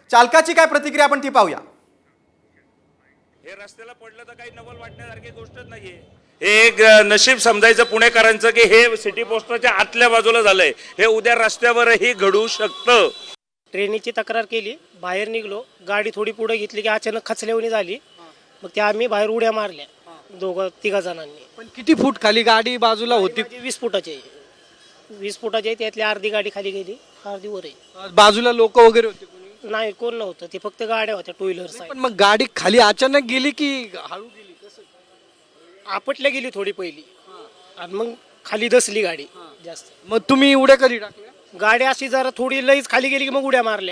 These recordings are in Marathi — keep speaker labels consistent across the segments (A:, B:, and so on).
A: चालकाची काय प्रतिक्रिया आपण ती पाहूया।
B: हे रस्त्याला पडलं तर काही नवल वाटण्यासारखी गोष्टच नाहीये। हे एक नशीब समजायचं पुणेकरांचं की हे सिटी पोस्टच्या आतल्या बाजूला झालंय, हे उद्या रस्त्यावरही घडू शकतं।
C: ट्रेनीची तक्रार केली, बाहेर निघलो, गाडी थोडी पुढे घेतली की अचानक खचल्यावणी झाली। मग त्या आम्ही बाहेर उड्या मारल्या तिघा जणांनी।
D: पण किती फूट खाली गाडी बाजूला होती?
C: 20 फुटाची आहे, 20 फुटाची आहे, त्यातली अर्धी गाडी खाली गेली, अर्धी वर आहे।
D: बाजूला लोक वगैरे होते कोणी?
C: नाही, कोण नव्हतं, ते फक्त गाड्या होत्या टू व्हीलर।
D: पण मग गाडी खाली अचानक गेली की हळू गेली? कसं?
C: आपटल्या गेली थोडी पहिली आणि मग खाली दसली गाडी जास्त।
D: मग तुम्ही उड्या कधी टाकल्या?
C: गाडी अशी जरा थोडी लईच खाली गेली की मग उड्या मारल्या।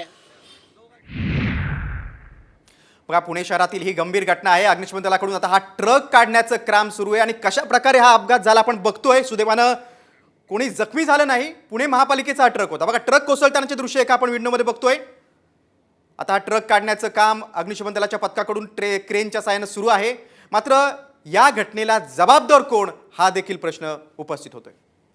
A: बघा, पुणे शहरातील ही गंभीर घटना आहे। अग्निशमन दलाकडून आता हा ट्रक काढण्याचं काम सुरू आहे आणि कशा प्रकारे हा अपघात झाला आपण बघतोय। सुदैवानं कोणी जखमी झालं नाही। पुणे महापालिकेचा हा ट्रक होता। बघा, ट्रक कोसळतानाचे दृश्य एका आपण व्हिडिओमध्ये बघतोय। आता हा ट्रक काढण्याचं काम अग्निशमन दलाच्या पथकाकडून क्रेनच्या साहाय्यानं सुरू आहे। मात्र या घटनेला जबाबदार कोण हा देखील प्रश्न उपस्थित होतोय।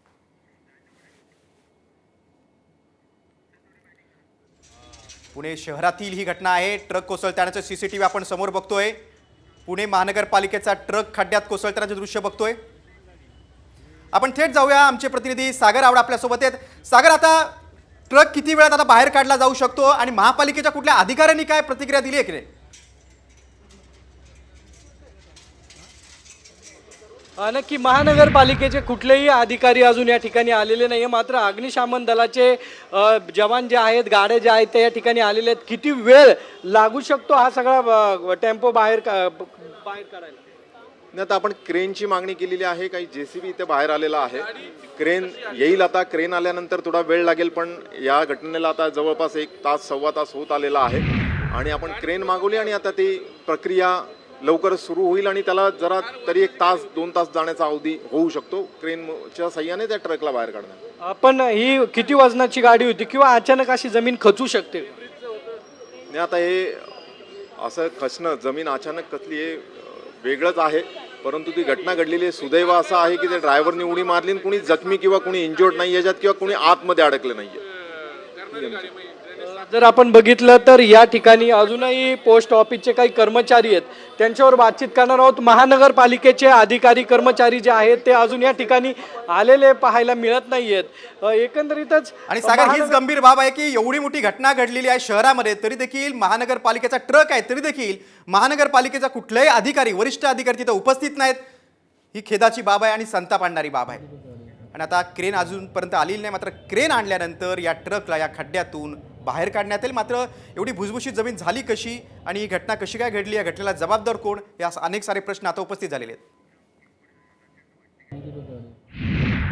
A: पुणे शहरातील ही घटना आहे। ट्रक कोसळतानाचं सीसीटीव्ही आपण समोर बघतोय। पुणे महानगरपालिकेचा ट्रक खड्ड्यात कोसळतानाचे दृश्य बघतोय। आपण थेट जाऊया, आमचे प्रतिनिधी सागर आवड आपल्यासोबत आहेत। सागर, आता ट्रक किती वेळात आता बाहेर काढला जाऊ शकतो आणि महापालिकेच्या कुठल्या अधिकाऱ्यांनी काय प्रतिक्रिया दिली आहे की नाही?
D: नक्की महानगरपालिकेचे कुठलेही अधिकारी अजून या ठिकाणी आलेले नाही आहे। मात्र अग्निशमन दलाचे जवान जे आहेत, गाड्या ज्या आहेत त्या या ठिकाणी आलेले आहेत। किती वेळ लागू शकतो हा सगळा टेम्पो बाहेर काढायला?
E: आता आपण क्रेनची मागणी केलेली आहे। काही जेसीबी इथे बाहेर आलेला आहे, क्रेन येईल। आता क्रेन आल्यानंतर थोडा वेळ लागेल, पण या घटनेला आता जवळपास 1 तास सव्वा तास होत आलेला आहे आणि आपण क्रेन मागवली आणि आता ती प्रक्रिया लवकरच सुरू होईल आणि त्याला जरा तरी 1 तास 2 तास जाण्याचा अवधी होऊ शकतो क्रेनच्या साह्याने त्या ट्रकला बाहेर काढण्यात।
D: पण ही किती वजनाची गाडी होती किंवा अचानक अशी जमीन खचू शकते?
E: नाही, आता हे असं खचणं, जमीन अचानक खचली हे वेगळंच आहे, परंतु ती घटना घडलेली आहे। सुदैव असं आहे की त्या ड्रायव्हरने उडी मारली आणि कुणी जखमी किंवा कुणी इंजोर्ड नाही याच्यात किंवा कुणी आतमध्ये अडकलं नाहीये।
D: जर आपण बघितलं तर या ठिकाणी अजूनही पोस्ट ऑफिसचे काही कर्मचारी आहेत, त्यांच्यावर बातचीत करणार आहोत। महानगरपालिकेचे अधिकारी कर्मचारी जे आहेत ते अजून या ठिकाणी आलेले पाहायला मिळत नाहीयेत। एकंदरीतच
A: आणि सागर, हीच गंभीर बाब आहे की एवढी मोठी घटना घडलेली आहे शहरामध्ये, तरी देखील महानगरपालिकेचा ट्रक आहे, तरी देखील महानगरपालिकेचा कुठलाही अधिकारी, वरिष्ठ अधिकारी तिथे उपस्थित नाहीत। ही खेदाची बाब आहे आणि संताप आणणारी बाब आहे। आणि आता क्रेन अजूनपर्यंत आलेली नाही, मात्र क्रेन आणल्यानंतर या ट्रकला या खड्ड्यातून बाहेर काढण्यात येईल। मात्र एवढी भुसभुशीत जमीन झाली कशी आणि ही घटना कशी काय घडली, या घटनेला जबाबदार कोण, या अनेक सारे प्रश्न आता उपस्थित झालेले आहेत।